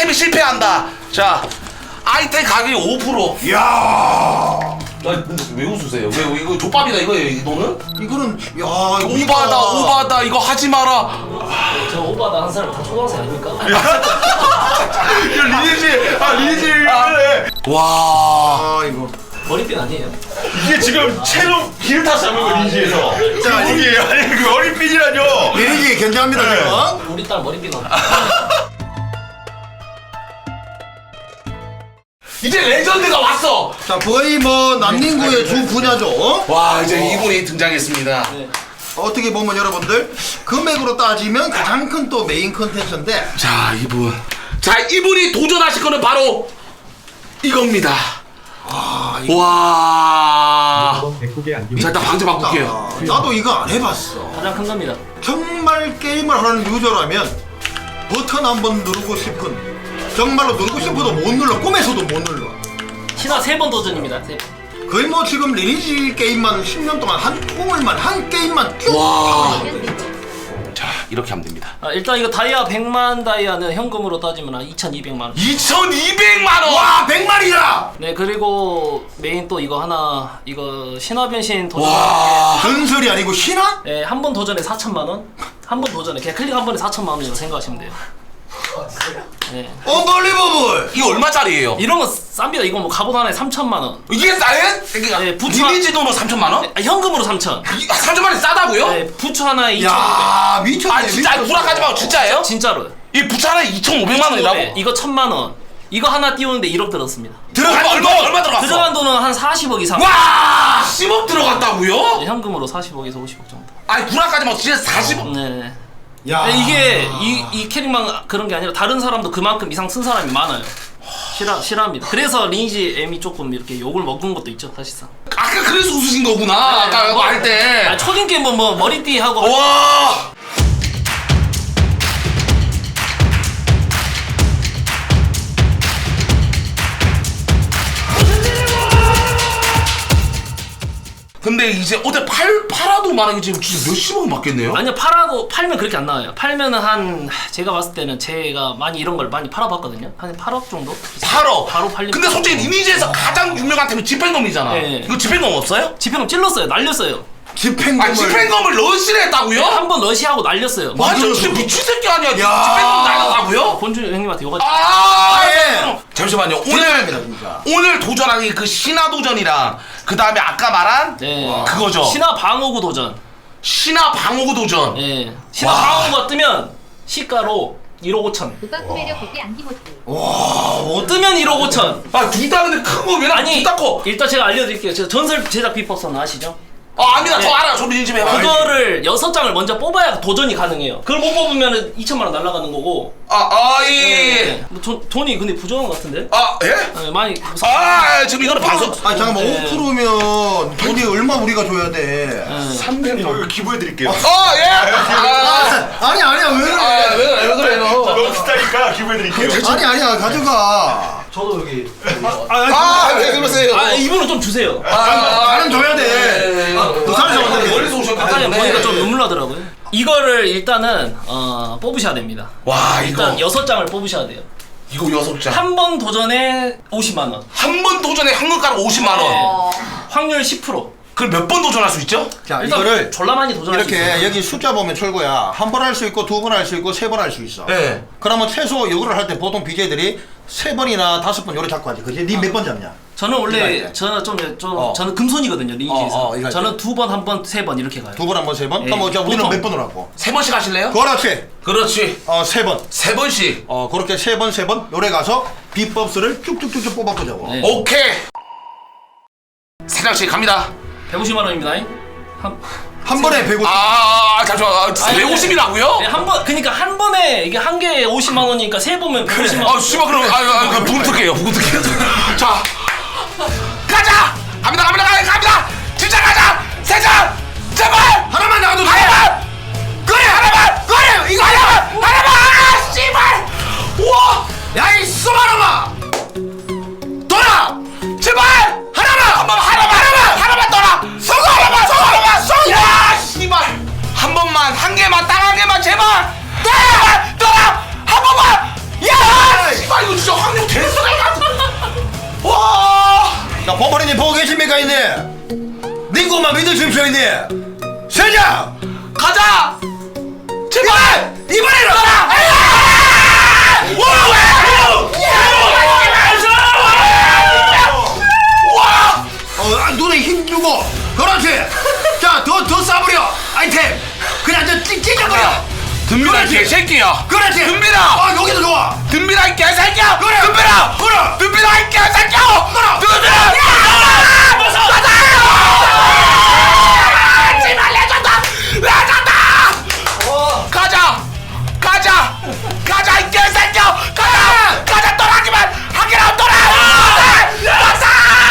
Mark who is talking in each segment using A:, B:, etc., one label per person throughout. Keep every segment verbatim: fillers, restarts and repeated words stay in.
A: 아이템이 실패한다. 자, 아이템 가격이 오 퍼센트.
B: 이야.
A: 야, 왜 웃으세요? 왜 이거 족밥이다 이거예요, 이 돈은?
B: 이거는 야 이거
A: 오바다, 오바다. 이거 하지 마라.
C: 저 오바다 한 사람 다 초등학생 아닙니까?
B: 리니지 아 리니지 그래.
A: 와.
B: 아 이거.
C: 머리핀 아니에요?
D: 이게 지금 채로 기를 타서 잡은 거 리니지에서.
B: 자,
D: 이게 아니 그 어린핀이라뇨.
B: 리니지 견제합니다
D: 네.
B: 지금.
C: 우리 딸 머리핀 없
A: 이제 레전드가 왔어.
B: 자 거의 뭐 난닝구의 주 분야죠.
A: 와, 이제 이분이 등장했습니다.
C: 네.
B: 어떻게 보면 여러분들 금액으로 따지면 가장 큰 또 메인 컨텐츠인데.
A: 자, 이분. 자, 이분이 도전하실 거는 바로 이겁니다.
B: 아 이거.
A: 와.
E: 백국의 안경.
A: 자, 일단 방제 바꿀게요.
B: 아, 나도 이거 안 해봤어.
C: 가장 큰 겁니다.
B: 정말 게임을 하는 유저라면 버튼 한번 누르고 싶은, 정말로 누르고 싶어도 못 눌러, 꿈에서도 못 눌러.
C: 신화 세 번 도전입니다. 세 번.
B: 거의 뭐 지금 리니지 게임만 십 년 동안 한 통을만 한 게임만 쭉
A: 와.
B: 하고 있거든.
A: 자, 이렇게 하면 됩니다.
C: 아, 일단 이거 다이아 백만 다이아는 현금으로 따지면 한 이천이백만 원.
A: 이천이백만 원.
B: 와 백만이야.
C: 네, 그리고 메인 또 이거 하나, 이거 신화 변신 도전.
A: 와.
B: 전설이 아니고 신화?
C: 네, 한 번 도전에 사천만 원. 한 번 도전에 그냥 클릭 한 번에 사천만 원이라고 생각하시면 돼요. 네.
B: 언벌리버블.
A: 이거 얼마짜리예요?
C: 이런 거 쌉니다. 이거 뭐 갑옷 하나에 삼천만 원.
A: 이게 싸요? 그러니까
C: 네, 부추-
A: 리니지 돈은 삼천만 원?
C: 아, 현금으로 삼천.
A: 이- 삼천만 원이 싸다고요?
C: 네, 부츠 하나에 이천오백.
B: 야 미쳤네.
A: 아, 진짜 아니, 불안하지 마고 진짜예요?
C: 진짜로요.
A: 이 부차 하나에 이천오백만 원이라고?
C: 네, 이거 천만 원. 이거 하나 띄우는데 일억 들었습니다.
A: 들어간 얼마 얼마 들어갔어?
C: 들어간 돈은 한 사십억 이상.
A: 와, 십억 들어갔다고요?
C: 네, 현금으로 사십억에서 오십억 정도.
A: 아니 불안까지 막 진짜 사십억.
C: 네.
B: 야
C: 네, 이게 이, 이 캐릭만 그런 게 아니라 다른 사람도 그만큼 이상 쓴 사람이 많아요. 싫어 싫어합니다. 그래서 리니지 M이 조금 이렇게 욕을 먹은 것도 있죠, 사실상.
A: 아까 그래서 웃으신 거구나. 아까
C: 뭐,
A: 할 때.
C: 아, 초딩 게임 뭐, 뭐 머리띠 하고.
A: 와. 근데 이제 어제 팔 팔아도 만약에 지금 진짜 몇십억 맞겠네요?
C: 아니요, 팔아도 팔면 그렇게 안 나와요. 팔면은 한 제가 봤을 때는 제가 많이 이런 걸 많이 팔아봤거든요. 한 팔억 정도?
A: 팔억.
C: 바로 팔리면.
A: 근데 솔직히 리니지에서 가장 유명한 템이 집행검이잖아.
C: 네.
A: 이거 집행검 없어요?
C: 지평금 찔렀어요, 날렸어요.
B: 집행검을.
A: 아, 집행검을 러시를 했다고요?
C: 한 번 러시하고 날렸어요.
A: 완전 진짜 미친 새끼 아니야?
B: 야.
A: 집행검 날렸다고요?
C: 본주 형님한테 요가.
A: 아,
B: 예.
A: 잠시만요.
B: 대단합니다,
A: 오늘
B: 진짜.
A: 오늘 도전하기 그 신화 도전이랑 그 다음에 아까 말한
C: 네.
A: 그거죠.
C: 신화 방어구 도전.
A: 신화 방어구 도전.
C: 예. 신화
A: 와.
C: 방어구가 뜨면 시가로 일억 오천.
F: 누가 구매력 복귀 안기모티.
C: 뜨면 일억 오천.
A: 아, 둘 다 근데 큰 거 왜 나?
C: 아니,
A: 둘다 커.
C: 일단 제가 알려드릴게요. 저 전설 제작 비법선 아시죠?
A: 아, 압니다. 저
C: 네.
A: 알아요. 저 리니지 해봐요.
C: 그거를 여섯 장을 먼저 뽑아야 도전이 가능해요. 그걸 못 뽑으면 이천만 원 날아가는 거고.
A: 아, 아, 예.
C: 네. 뭐 돈, 돈이 근데 부족한 것 같은데?
A: 아, 예?
C: 네, 많이.
A: 아, 지금 이거는 방송.
B: 아니 잠깐만
C: 네.
B: 오 퍼센트면 돈이 얼마 우리가 줘야 돼?
D: 삼백만 원 기부해드릴게요.
A: 아, 예. 아,
B: 아니 아니야 왜 그래?
A: 아, 왜, 그래, 왜 그래요?
D: 너무 비싸니까 기부해드릴게요.
B: 아니 아니야 가져가.
C: 저도 여기.
A: 아, 왜 그러세요?
C: 아, 이분은 좀 주세요.
A: 아, 아,
B: 나는 줘야 돼. 부산에서 왔는데.
A: 멀리서 오셨기
C: 아까
A: 때문에.
C: 보니까 좀 눈물 나더라고요. 이거를 일단은 어, 뽑으셔야 됩니다.
A: 와,
C: 일단
A: 이거.
C: 여섯 장을 뽑으셔야 돼요.
A: 이거 여섯 장.
C: 한 번 도전에 오십만 원.
A: 한 번 도전에 한국가로 오십만 원.
C: 네. 확률 십 퍼센트.
A: 그럼 몇 번 도전할 수 있죠?
B: 자
C: 일단
B: 이거를
C: 졸라 많이 도전할 수 있어요.
B: 이렇게 여기 숫자 보면 철거야. 한 번 할 수 있고 두 번 할 수 있고 세 번 할 수 있어.
A: 네.
B: 그러면 최소 이거를 할 때 보통 비제이들이 세 번이나 다섯 번 요래 잡고 하지. 그지? 니 몇 번 잡냐?
C: 저는
B: 이거
C: 원래
B: 알지?
C: 저는 좀, 좀
B: 어.
C: 저는 금손이거든요, 리니지에서.
B: 어, 어, 이거 알지?
C: 저는 두 번, 한 번, 세 번 이렇게 가요.
B: 두 번, 한 번, 세 번?
C: 예,
B: 그럼 뭐, 자, 우리는
C: 보통.
B: 몇 번으로 하고?
A: 세 번씩 하실래요?
B: 그렇지.
A: 그렇지.
B: 어, 세 번.
A: 세 번씩.
B: 어, 그렇게 세 번, 세 번, 요래 가서 비법스를 쭉쭉쭉쭉 뽑아보자고.
C: 네.
A: 오케이. 세 장씩 갑니다.
C: 백오십만 원입니다. 한,
B: 한 번에 백오십.
A: 아, 잠시만. 아,
C: 아니,
A: 백오십이라고요?
C: 네, 한 번, 그니까 한 번에, 이게 한 개에 오십만 원이니까 세 보면 백오십만 원.
A: 아, 씨발, 그럼, 아, 아, 아, 부금특게요, 부금특게요. 자, 가자! 갑니다, 갑니다, 갑니다, 갑니다! 진짜 가자! 세 장! 제발!
B: 하나만 나가도 돼!
A: 하나만! 그래, 하나만! 그래! 이거 하나만! 하나만! 아, 씨발! 우와!
B: 야, 이 수마놈아!
A: 돌아! 제발! 하나만! 한 번, 하나만! 하나만! 하나만 떠라! 성공! 하나만! 성공! 하나만! 성공! 야, 씨발! 한 번만, 한 개만, 딱 한 개만, 제발! 떠라! 떠라! 한 번만! 야! 씨발!
B: 자, 범퍼리님 보고 계십니까, 이네? 닝구만 믿으십시오, 이네. 세장
A: 가자. 제발 이번에는 가라. 와!
B: 어, 아, 눈에 힘 주고. 그렇지. 자, 더, 더 쏴버려. 아이템. 그냥 저 찢- 찢어버려.
A: 덤비라 이
B: 그렇지.
A: 개새끼야.
B: 그렇지.
A: 덤비라.
B: 아, 여기도 좋아.
A: 덤비라 이 개새끼야.
B: 그래.
A: 덤비라.
B: 그래.
A: 덤비라 이 개새끼야.
B: 그래.
A: 덤비라. 가자. 제발 내줬다. 내줬다. 가자. 가자. 가자 이 개새끼야. 가자. 가자 떠나기만 하기로 떠나. 가자.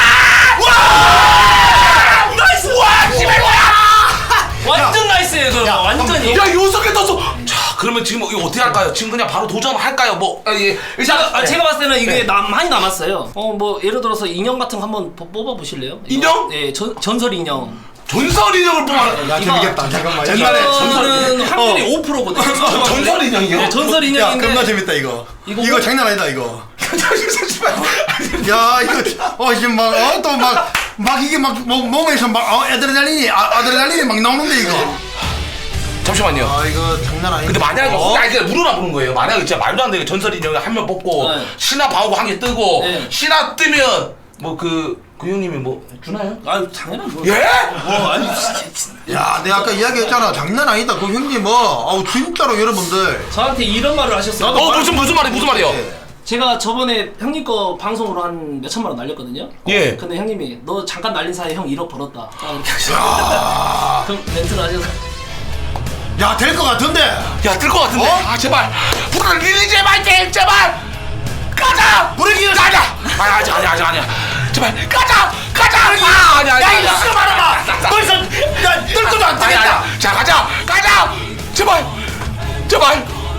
A: 와. 나이스. 와. 씨발 뭐야.
C: 완전 나이스예요 그거. 완전히.
A: 야 요석에 떴어. 자 그러면 지금 이거 어떻게 할까요? 지금 그냥 바로 도전할까요? 뭐 아, 예. 일단
C: 아,
A: 네.
C: 제가 봤을 때는 이게
A: 네.
C: 남, 많이 남았어요. 어, 뭐, 예를 들어서 인형 같은 거 한번 po- 뽑아보실래요? 이거?
A: 인형?
C: 예, 전, 전설 인형.
A: 전설 인형을 뽑아.
B: 야, 재밌겠다. 잠깐만.
A: 옛날에
C: 이거는
A: 전설-
C: 확률이
B: 어.
C: 오 퍼센트거든요.
A: 전설 인형이요?
C: 네, 전설
B: 야,
C: 인형인데.
B: 겁나 재밌다, 이거.
C: 이거
B: 이거
C: 뭐-
B: 장난 아니다, 이거.
A: 잠시만.
B: 야, 이거, 어, 지금 막, 어, 또 막, 막 이게 막, 몸, 몸에서 막, 어, 아드레날린이, 아, 아드레날린이 막 나오는데, 이거.
A: 잠시만요.
B: 아, 이거 장난 아니다.
A: 근데 만약에
B: 어?
A: 아 이게 물어나 보는 거예요. 만약에 진짜 말도 안 되게 전설 인형을 한 명 뽑고
C: 네.
A: 신화 방어구 한 개 뜨고
C: 네.
A: 신화 뜨면 뭐 그 그 형님이 뭐 주나요?
C: 아유, 당연한 거.
A: 예?
C: 어, 아니,
B: 야, 내가 아까 이야기했잖아. 장난 아니다. 그 형님, 뭐. 아우, 진짜로 여러분들.
C: 저한테 이런 말을 하셨어요.
B: 나도
A: 어 무슨 무슨 말이 무슨 말이요?
C: 제가 저번에 형님 거 방송으로 한 몇천만 원 날렸거든요.
A: 예.
C: 근데 형님이 너 잠깐 날린 사이에 형 일억 벌었다. 아, 이렇게 하셨어요. 그럼 멘트를 하셔서.
B: 야, 될 것 같은데.
A: 야 뜰 것 같은데.
B: 어?
A: 아 제발. 불을 리리 제발 게 제발. 가자.
B: 브레이크
A: 가자. 아니 아직 아니 아직 아니야. 제발 가자. 가자. 아 아니야.
B: 야, 이거 쓰지 말아봐. 벌써, 야, 뜰 것도 안
A: 아니
B: 되겠다.
A: 아니. 자 가자. 가자. 제발. 제발.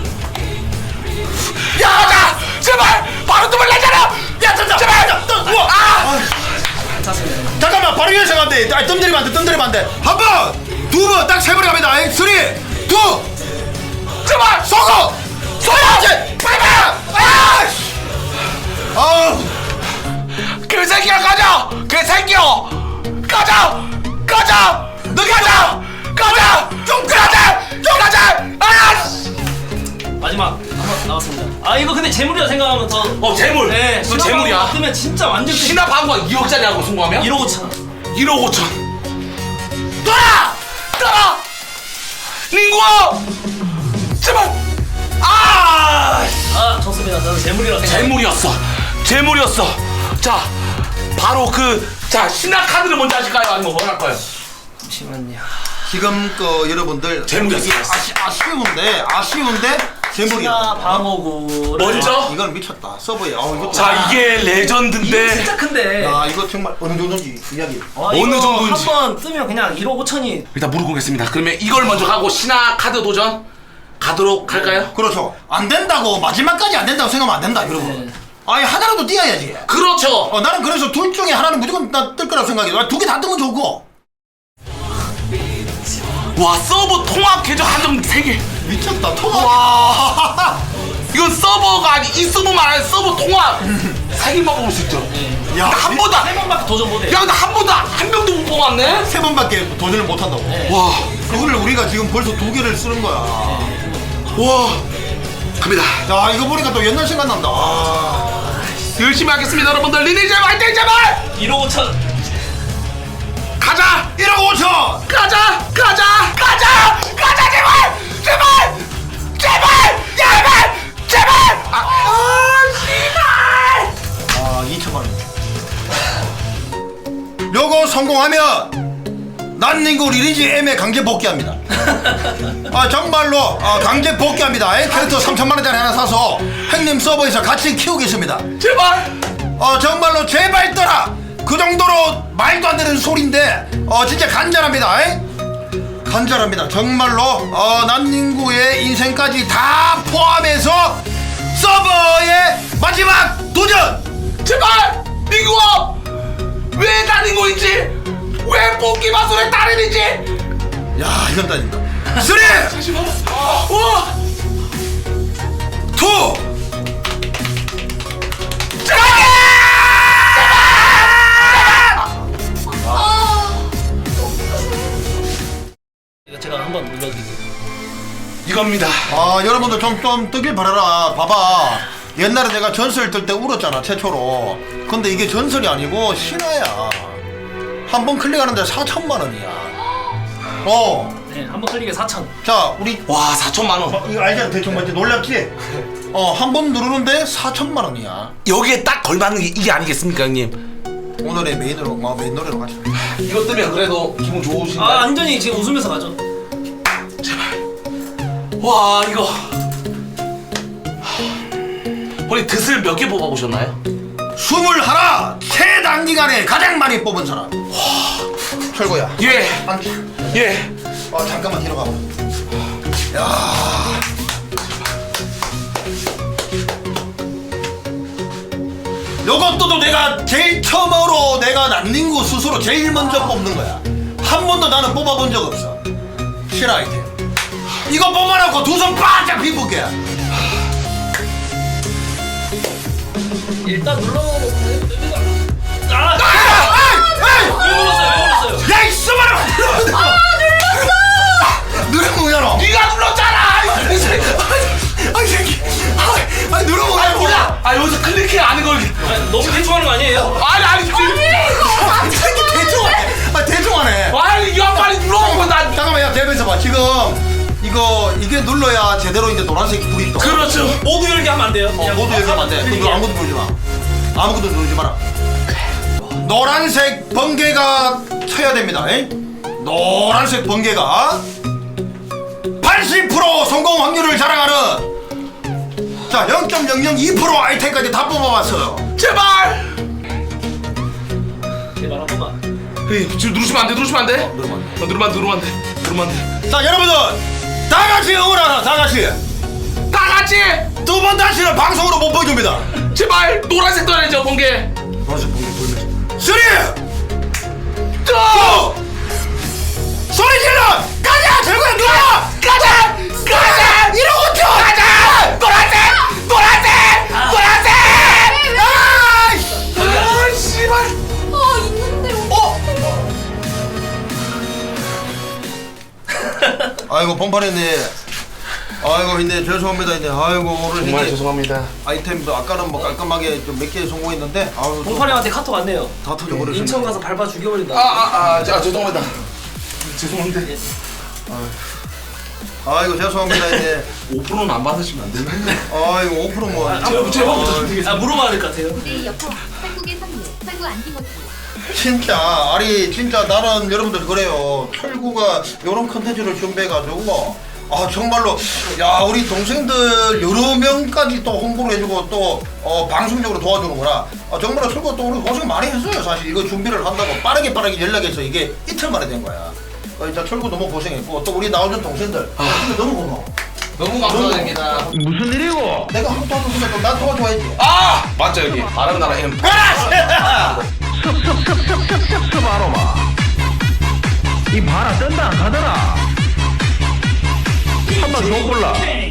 A: 야 가자. 제발. 바로 뜸을 내잖아.
B: 야, 뜬다.
A: 제발.
B: 뜬, 우와.
A: 아.
C: 찼습니다.
B: 잠깐만, 바로 연습 안 돼. 아니, 뜸 들이면 안 돼, 뜸 들이면 안 돼. 한 번, 두 번, 딱 세 번 갑니다. 아이, 쓰리, 투,
A: 제발.
B: 쏘고! 쏘야지! 빨리! 아! 아우,
A: 그 새끼야 가자. 그 새끼야. 가자. 가자. 너 가자. 가자. 좀 가자. 좀 가자. 아. 씨.
C: 마지막 한번 나왔습니다. 아, 이거 근데 재물이라 생각하면 더.
A: 어 재물.
C: 네,
A: 너 재물이야.
C: 뜨면 진짜 완전 끝.
A: 신화 방어가 이억짜리하고 성공하면?
C: 일억 오천.
A: 일억 오천. 떠라! 떠라! 링구아! 제발! 아!
C: 아, 좋습니다. 저는 재물이라 생각.
A: 재물이었어. 재물이었어. 자, 바로 그, 자, 신화 카드를 먼저 하실까요? 아니면 뭐 할까요?
C: 잠시만요.
B: 지금 그 여러분들
A: 재물이었어.
B: 아시, 아쉬운데 아쉬운데
C: 신화
B: 재물이야.
C: 방어구를.
A: 먼저?
B: 이건 미쳤다. 서버에. 아, 이거
A: 자, 이게
C: 이게
A: 레전드인데.
C: 진짜 큰데.
B: 야, 이거 정말 어느 정도인지 이야기.
C: 어,
A: 어느
C: 이거
A: 정도인지.
C: 한번 뜨면 그냥 일억 오천이.
A: 일단 무릎 꿇겠습니다. 그러면 이걸 먼저 하고 신화 카드 도전 가도록 할까요?
B: 그렇죠. 안 된다고 마지막까지 안 된다고 생각하면 안 된다, 여러분.
C: 네.
B: 아니, 하나라도 띄어야지.
A: 그렇죠.
B: 어, 나는 그래서 둘 중에 하나는 무조건 뜰 거라고 생각해. 두 개 다 뜨면 좋고.
A: 와, 서버 통합 계정 한정 세 개.
B: 미쳤다. 통화.
A: 와. 이건 서버가 아니 이 서버만 아니라 서버 통합 세 개만 뽑을 수 있죠.
B: 야,
A: 한 번도
C: 세 번밖에 도전 못해.
A: 야 근데 한 번도 한 명도 못 뽑았네.
B: 세 번밖에 도전을 못 한다고.
A: 와,
B: 그거를 우리가 지금 벌써 두 개를 쓰는 거야.
A: 와, 갑니다.
B: 야, 이거 보니까 또 옛날 생각난다. 아.
A: 열심히 하겠습니다, 여러분들. 리니제 화이팅 제발.
C: 일억 오천.
A: 가자,
B: 일억 오천.
A: 가자, 가자, 가자, 가자 제발, 제발, 제발, 제발, 제발. 아, 아 씨발.
B: 아, 이천만 원. 요거 성공하면 난닝구 리니지 M에 강제 복귀합니다. 아, 정말로 아, 강제 복귀합니다. 에? 캐릭터 삼천만 원짜리 하나 사서 형님 서버에서 같이 키우겠습니다.
A: 제발.
B: 어, 정말로 제발 떠라. 그 정도로 말도 안 되는 소리인데 어, 진짜 간절합니다. 에? 간절합니다. 정말로 어, 난닝구의 인생까지 다 포함해서 서버의 마지막 도전.
A: 제발! 닝구야! 왜 다닌 거인지! 왜 뽑기 마술의 달인인지!
B: 야, 이건 따진다. 쓰리,
A: 잠시만. 와!
B: 투,
A: 제발! 제발! 겁니다.
B: 아 여러분들 좀 좀 뜨길 바라라. 봐봐, 옛날에 내가 전설 뜰 때 울었잖아 최초로. 근데 이게 전설이 아니고 신화야. 한 번 클릭하는데 사천만 원이야. 어.
C: 네, 한 번 클릭에 사천.
B: 자 우리
A: 와 사천만 원.
B: 어, 이거 알잖아 대충 뭔지. 놀랍지? 어 한 번 누르는데 사천만 원이야.
A: 여기에 딱 걸맞는 게 이게 아니겠습니까 형님?
B: 오늘의 메인으로 뭐 메인 노래로 가자.
A: 이것 때문에 그래도 기분 좋으신가요?
C: 아 완전히 지금 웃으면서 가죠.
A: 와 이거 우리 드슬 몇 개 뽑아보셨나요?
B: 스물 하나 최단기간에 가장 많이 뽑은 사람. 와 철거야.
A: 예.
B: 앉아.
A: 예.
B: 어 잠깐만 뒤로 가봐. 야. 요것도 내가 제일 처음으로 내가 난닝구 스스로 제일 먼저 뽑는 거야. 한 번도 나는 뽑아본 적 없어. 실화 아이템. 이거 뽑아놓고 두 손 바짝 비부게.
C: 일단 눌러보고 됩니다. 아!
B: 에이!
C: 왜 눌렀어요? 왜 눌렀어요?
B: 야, 이 수바라! 아, 눌렀어! 누르면 뭐야,
A: 네가 눌렀잖아.
B: 아이, 새끼. 아, 아니, 누르면
A: 아
B: 뭐야,
A: 몰라. 아 여기서 클릭해 아는 걸.
C: 아니, 너무 대충 하는 거 아니에요?
A: 아니 아니 지금.
B: 아, 새끼, 대충 하네. 아, 대충 하네.
A: 아니 이거 빨리 눌러보고 나.
B: 잠깐만, 야, 대변에서 봐. 지금, 이거, 이게 눌러야 제대로 이제 노란색 불이 떠.
A: 그렇죠.
C: 모두 열기 하면 안 돼요.
B: 어, 모두 얘기하면 안 돼. 그럼 너 아무것도 누르지 마. 아무것도 누르지 마라. 노란색 번개가 쳐야 됩니다. 에? 노란색 번개가 팔십 퍼센트 성공 확률을 자랑하는 자 영 점 영영이 퍼센트 아이템까지 다 뽑아봤어요.
A: 제발.
C: 제발 한 번만.
A: 에이, 지금 누르시면 안 돼. 누르시면 안 돼.
B: 누르면 안
A: 어, 누르면 안 돼. 누르면 안 돼. 누르면 안 돼.
B: 자 여러분들 다 같이 응원하라. 다 같이
A: 다 같이
B: 두 번 다시는 방송으로 못 보여줍니다.
A: 제발 노란색 떠야죠 번개.
B: 노란색 번개 보이면서 쓰리
A: 고!
B: 소리 질러! 가자! 결국에 누가!
A: 가자! 가자!
B: 이러고 튀어!
A: 가자! 노란색! 노란색! 노란색!
B: 아이씨!
A: 아 씨발.
E: 아 있는데
A: 어?
B: 아이고 뻥판했네. 아이고 근데 죄송합니다. 이제 아이고 오늘
A: 정말
B: 이제
A: 죄송합니다.
B: 아이템도 아까는 뭐 깔끔하게 좀 몇 개 성공했는데 아우 또
C: 봉파리한테 카톡 왔네요.
B: 다 터져버렸네.
C: 인천 가서 밟아 죽여버린다.
A: 아아아 아, 아, 죄송합니다. 죄송한데
B: 아이고 죄송합니다. 이제
A: 오 퍼센트는 안 받으시면 안 되나요?
B: 아이고 오 퍼센트 뭐
C: 제발 제발부터 좀 드리겠습니다. 아 물어봐야 될 것 같아요.
E: 우리 옆으로 한국의 선물 설구 안티모티
B: 진짜 아니 진짜 나는 여러분들 그래요. 철구가 요런 컨텐츠를 준비해가지고 아 정말로 야 우리 동생들 여러 명까지 또 홍보를 해주고 또 어, 방송적으로 도와주는구나. 아, 정말로 철구가 또 우리 고생 많이 했어요. 사실 이거 준비를 한다고 빠르게 빠르게 연락해서 이게 이틀 만에 된 거야. 어, 진짜 철구 너무 고생했고 또 우리 나오는 동생들 아, 진짜 너무 고마워.
A: 너무 감사드립니다.
B: 무슨 일이고? 내가 한번 도와줬으면 또 난 도와줘야지.
A: 아 맞죠 여기 바람나라 M.
F: 습습습습습습습 바로마 이 바라 뜬다 안 가더라 한번 더 골라